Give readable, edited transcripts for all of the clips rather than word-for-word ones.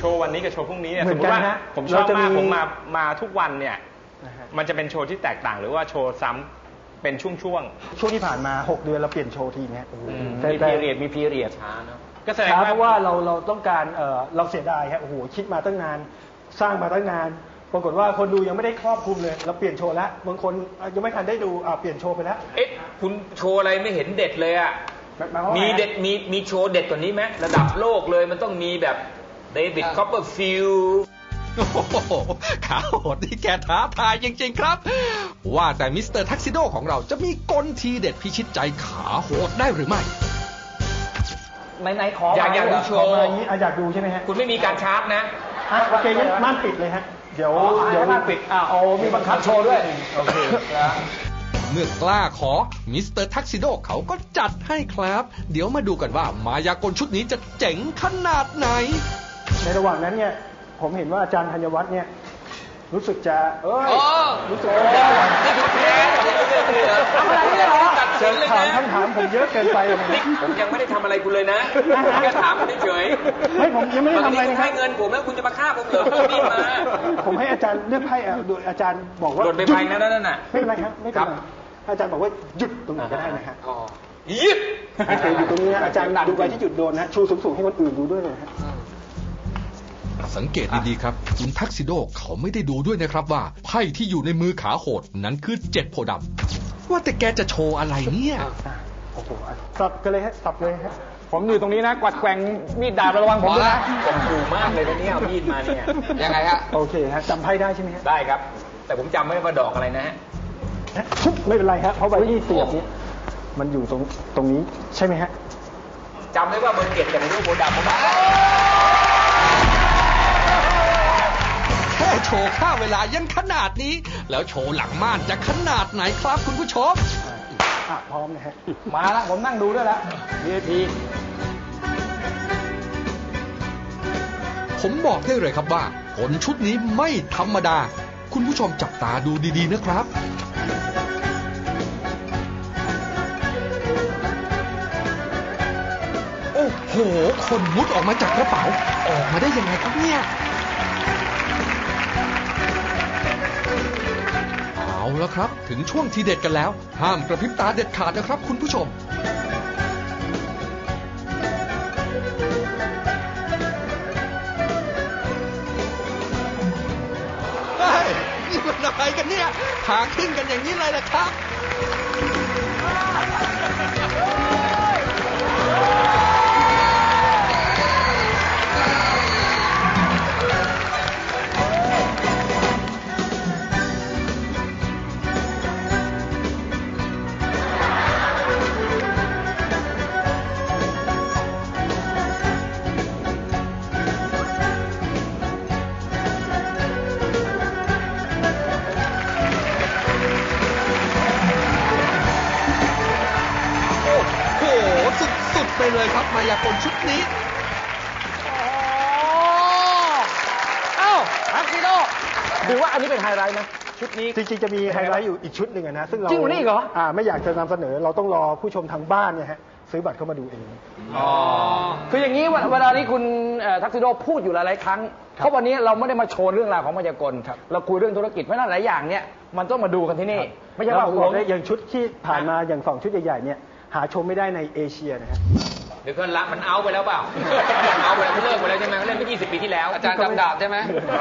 โชว์วันนี้กับโชว์พรุ่งนี้เนี่ยสมมติว่าผมชอบมากผมมาทุกวันเนี่ยมันจะเป็นโชว์ที่แตกต่างหรือว่าโชว์ซ้ำเป็นช่วงที่ผ่านมา6 เดือนเราเปลี่ยนโชว์ทีนี้มีพีเรียดช้าเนาะก็แสดงว่าเพราะว่าเราต้องการเราเสียดายฮะโอ้โหคิดมาตั้งนานสร้างมาตั้งนานปรากฏว่าคนดูยังไม่ได้ครอบคลุมเลยเราเปลี่ยนโชว์แล้วบางคนยังไม่ทันได้ดูเปลี่ยนโชว์ไปแล้วคุณโชว์อะไรไม่เห็นเด็ดเลยอ่ะมีเด็ดมีโชว์เด็ดกว่านี้ไหมระดับโลกเลยมันต้องมีแบบเดวิดคอปเปอร์ฟิลด์โอ้โหขาโหดนี่แกท้าทายจริงๆครับว่าแต่มิสเตอร์ทักซิโดของเราจะมีกลทีเด็ดพิชิตใจขาโหดได้หรือไม่ไหนขออยากดูโชว์อยากดูใช่ไหมฮะคุณไม่มีการชาร์จนะโอเคงั้นม่านปิดเลยฮะเดี๋ยวม่านปิดมีบังคับโชว์ด้วยโอเคเมื่อกล้าขอมิสเตอร์ทักซิโดเขาก็จัดให้ครับเดี๋ยวมาดูกันว่ามายากลชุดนี้จะเจ๋งขนาดไหนในระหว่างนั้นเนี่ยผมเห็นว่าอาจารย์ธัญวัฒน์เนี่ยรู้สึกจะรู้สึกว่านี่คือแพ้ทำอะไรเนี่ยตัดเชิญคำถามผมเยอะเกินไปผมยังไม่ได้ทำอะไรคุณเลยนะแค่ถามเฉยไม่ผมยังไม่ได้ทำอะไรนะให้เงินผมแล้วคุณจะมาฆ่าผมเหรอนี่มาผมให้อาจารย์เลือกไพ่โดยอาจารย์บอกว่าหล่นไปไพ่นั่นน่ะไม่เป็นไรครับไม่เป็นไรอาจารย์บอกว่าหยุดตรงไหนก็ได้นะฮะหยุดอยู่ตรงนี้อาจารย์ดูไปที่จุดโดนนะชูสูงๆให้คนอื่นดูด้วยเลยฮะสังเกตดีๆครับคุณทักซิโดเขาไม่ได้ดูด้วยนะครับว่าไพ่ที่อยู่ในมือขาโหดนั้นคือ7 โพธิ์ดำว่าแต่แกจะโชว์อะไรเนี่ยโอ้โหสับกันเลยฮะสับเลยฮะผมอยู่ตรงนี้นะกวัดแกว่งมีดดาบระวังผมด้วยนะผมดูมากเลยนะเนี่ยเอามีดมาเนี่ยยังไงฮะโอเคฮะจำไพ่ได้ใช่ไหมฮะได้ครับแต่ผมจำไม่ได้ว่าดอกอะไรนะฮะไม่เป็นไรฮะเพราะใบที่เสียบนี้มันอยู่ตรงนี้ใช่ไหมฮะจำได้ว่าเบอร์7แต่ไม่รู้โพธิ์ดำผมแค่โชว์ค่าเวลายังขนาดนี้แล้วโชว์หลังม่านจะขนาดไหนครับคุณผู้ชมพร้อมนะฮะมาแล้วผมนั่งดูด้วยแล้ว VIP ผมบอกได้เลยครับว่าผลชุดนี้ไม่ธรรมดาคุณผู้ชมจับตาดูดีๆนะครับโอ้โหคนมุดออกมาจากกระเป๋าออกมาได้ยังไงครับเนี่ยเอาแล้วครับถึงช่วงทีเด็ดกันแล้วห้ามกระพริบตาเด็ดขาดนะครับคุณผู้ชมเฮ้ยนี่มันอะไรกันเนี่ยหาขึ้นกันอย่างนี้เลยนะครับ ไปเลยครับมายากลชุดนี้ทักซิโดถือว่าอันนี้เป็นไฮไลท์นะชุดนี้จริงๆจะมีไฮไลท์อยู่อีกชุดหนึ่งนะซึ่งเราจริงนี่เหรอไม่อยากจะนำเสนอเราต้องรอผู้ชมทางบ้านเนี่ยฮะซื้อบัตรเข้ามาดูเองคืออย่างนี้เวลานี้คุณทักซิโดพูดอยู่หลายๆครั้งเพราะวันนี้เราไม่ได้มาโชว์เรื่องราวของมายากลเราคุยเรื่องธุรกิจเพราะนั้นหลายอย่างเนี่ยมันต้องมาดูกันที่นี่ไม่ใช่ว่าอย่างชุดที่ผ่านมาอย่าง2 ชุดใหญ่ๆเนี่ยหาชมไม่ได้ในเอเชียนะฮะเดี๋ยวก็ละมันเอาไปแล้วเปล่าเอาไปแล้วเลิกไปแล้วใช่ไหมเล่นไป20 ปีที่แล้วอาจารย์จำดาบใช่ไหม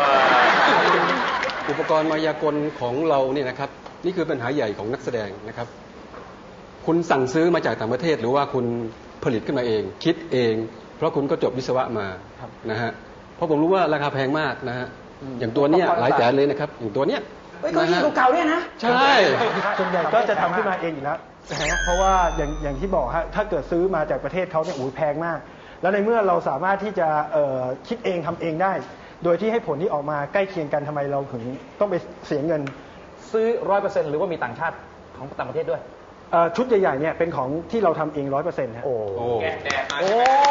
อุปกรณ์มายากลของเราเนี่ยนะครับนี่คือปัญหาใหญ่ของนักแสดงนะครับคุณสั่งซื้อมาจากต่างประเทศหรือว่าคุณผลิตขึ้นมาเองคิดเองเพราะคุณก็จบวิศวะมานะฮะเพราะผมรู้ว่าราคาแพงมากนะฮะอย่างตัวเนี้ยหลายแสนเลยนะครับอย่างตัวเนี้ยก็ยิ่งเก่าเนี่ยนะใช่ส่วนใหญ่ก็จะทำขึ้นมาเองอยู่แล้วเพราะว่าอย่างที่บอกฮะถ้าเกิดซื้อมาจากประเทศเขาเนี่ยแพงมากแล้วในเมื่อเราสามารถที่จะคิดเองทำเองได้โดยที่ให้ผลที่ออกมาใกล้เคียงกันทำไมเราถึงต้องไปเสียเงินซื้อ 100% หรือว่ามีต่างชาติของต่างประเทศด้วยชุดใหญ่ๆเนี่ยเป็นของที่เราทำเอง 100%ฮะแกะแดดมา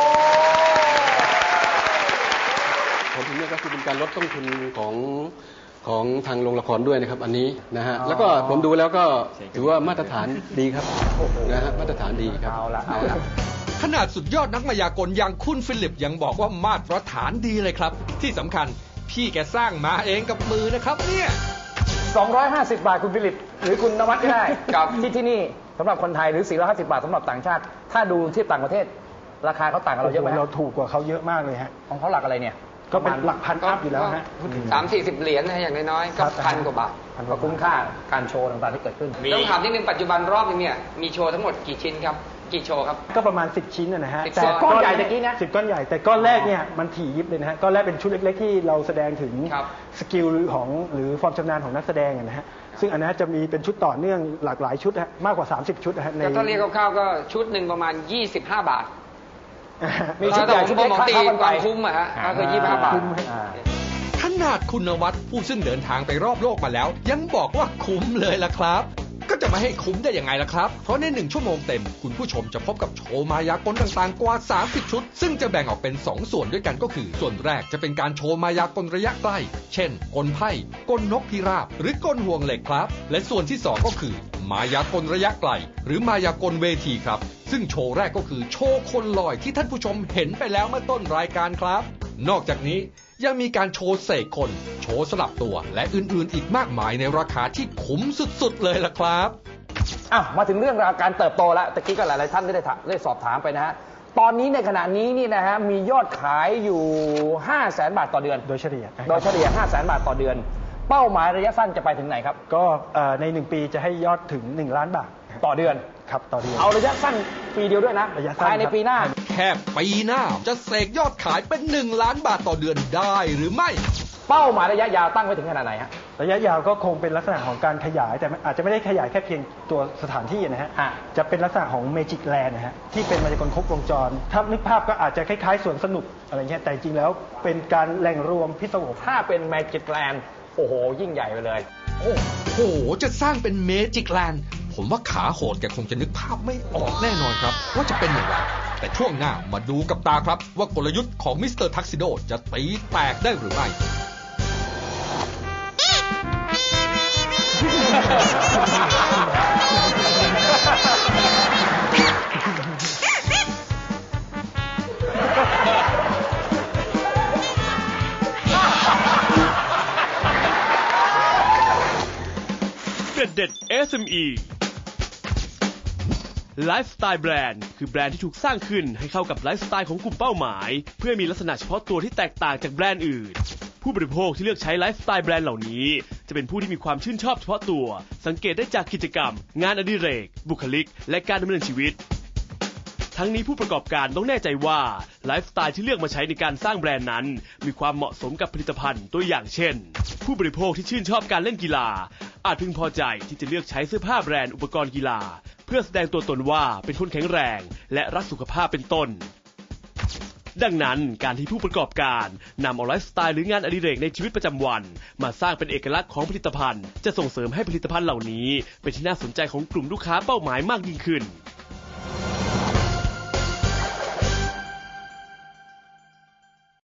ผมถึงเนี่ยก็คือเป็นการลดต้นทุนของทางโรงละครด้วยนะครับอันนี้นะฮะแล้วก็ผมดูแล้วก็ถือว่ามาตรฐานดีครับนะฮะมาตรฐานดีครับเอาละขนาดสุดยอดนักมายากลอย่างคุณฟิลิปยังบอกว่ามาตรฐานดีเลยครับที่สำคัญพี่แกสร้างมาเองกับมือนะครับเนี่ย 250 บาทคุณฟิลิปหรือคุณนวัดก็ได้กับที่นี่สำหรับคนไทยหรือ450 บาทสำหรับต่างชาติถ้าดูที่ต่างประเทศราคาเขาต่างกับเราเยอะไหมเราถูกกว่าเขาเยอะมากเลยฮะของเขาหลักอะไรเนี่ยก็เป็นหลักพันอัพอยู่แล้วฮะ 30-40 เหรียญนะอย่างน้อยๆก็1,000 กว่าบาทก็คุ้มค่าการโชว์ต่างๆที่เกิดขึ้นต้องถามนิดนึงปัจจุบันรอบนึงเนี่ยมีโชว์ทั้งหมดกี่ชิ้นครับกี่โชว์ครับก็ประมาณ10 ชิ้นนะฮะแต่ก้อนใหญ่ตะกี้นะ 10 ก้อนใหญ่แต่ก้อนแรกเนี่ยมันถี่ยิบเลยนะฮะก้อนแรกเป็นชุดเล็กๆที่เราแสดงถึงสกิลของหรือความชำนาญของนักแสดงนะฮะซึ่งอันนั้นจะมีเป็นชุดต่อเนื่องหลากหลายชุดมากกว่า30 ชุดนะฮะในถ้าเรียกคร่าวๆก็ชุดหนึ่งประมาณ25 บาทมีชุดใหญ่ชุดเล็กตีความคุ้มอะฮะก็คือ25 บาทขนาดคุณนวัดผู้ซึ่งเดินทางไปรอบโลกมาแล้วยังบอกว่าคุ้มเลยล่ะครับก็จะมาให้คุ้มได้ยังไงล่ะครับเพราะใน1 ชั่วโมงเต็มคุณผู้ชมจะพบกับโชว์มายากลต่างๆกว่า30 ชุดซึ่งจะแบ่งออกเป็น2 ส่วนด้วยกันก็คือส่วนแรกจะเป็นการโชว์มายากลระยะใกล้เช่นกลไพ่กลนกพิราบหรือกลห่วงเหล็กครับและส่วนที่2ก็คือมายากลระยะไกลหรือมายากลเวทีครับซึ่งโชว์แรกก็คือโชว์คนลอยที่ท่านผู้ชมเห็นไปแล้วเมื่อต้นรายการครับนอกจากนี้ยังมีการโชว์เสกคนโชว์สลับตัวและอื่นๆอีกมากมายในราคาที่คุ้มสุดๆเลยล่ะครับมาถึงเรื่องราวการเติบโตแล้วตะกี้ก็หลายๆท่านได้สอบถามไปนะฮะตอนนี้ในขณะนี้นี่นะฮะมียอดขายอยู่ 500,000 บาทต่อเดือนโดยเฉลี่ย 500,000 บาทต่อเดือนเป้าหมายระยะสั้นจะไปถึงไหนครับก็ใน1 ปีจะให้ยอดถึง1 ล้านบาทต่อเดือนครับต่อเดือนเอาระยะสั้นปีเดียวด้วยนะภายในปีหน้าแค่ปีหน้าจะเสกยอดขายเป็น1 ล้านบาทต่อเดือนได้หรือไม่เป้าหมายระยะยาวตั้งไว้ถึงขนาดไหนฮะระยะยาวก็คงเป็นลักษณะของการขยายแต่อาจจะไม่ได้ขยายแค่เพียงตัวสถานที่นะฮะจะเป็นลักษณะของเมจิกแลนด์นะฮะที่เป็นมายากลครบวงจรถ้านึกภาพก็อาจจะคล้ายๆสวนสนุกอะไรเงี้ยแต่จริงแล้วเป็นการแหล่งรวมพิศวงถ้าเป็นเมจิกแลนด์โอ้โหยิ่งใหญ่ไปเลยโอ้โหจะสร้างเป็นเมจิกแลนด์ผมว่าขาโหดแกคงจะนึกภาพไม่ออกแน่นอนครับว่าจะเป็นอย่างไรแต่ช่วงหน้ามาดูกับตาครับว่ากลยุทธ์ของมิสเตอร์ทักซิโดจะตีแตกได้หรือไม่เด็ด SME ไลฟ์สไตล์แบรนด์คือแบรนด์ที่ถูกสร้างขึ้นให้เข้ากับไลฟ์สไตล์ของกลุ่มเป้าหมายเพื่อมีลักษณะเฉพาะตัวที่แตกต่างจากแบรนด์อื่นผู้บริโภคที่เลือกใช้ไลฟ์สไตล์แบรนด์เหล่านี้จะเป็นผู้ที่มีความชื่นชอบเฉพาะตัวสังเกตได้จากกิจกรรมงานอดิเรกบุคลิกและการดำเนินชีวิตทั้งนี้ผู้ประกอบการต้องแน่ใจว่าไลฟ์สไตล์ที่เลือกมาใช้ในการสร้างแบรนด์นั้นมีความเหมาะสมกับผลิตภัณฑ์ตัวอย่างเช่นผู้บริโภคที่ชื่นชอบการเล่นกีฬาอาจพึงพอใจที่จะเลือกใช้เสื้อผ้าแบรนด์อุปกรณ์กีฬาเพื่อแสดงตัวตนว่าเป็นคนแข็งแรงและรักสุขภาพเป็นต้นดังนั้นการที่ผู้ประกอบการนำเอาไลฟ์สไตล์หรืองานอดิเรกในชีวิตประจำวันมาสร้างเป็นเอกลักษณ์ของผลิตภัณฑ์จะส่งเสริมให้ผลิตภัณฑ์เหล่านี้เป็นที่น่าสนใจของกลุ่มลูกค้าเป้าหมายมากยิ่งขึ้น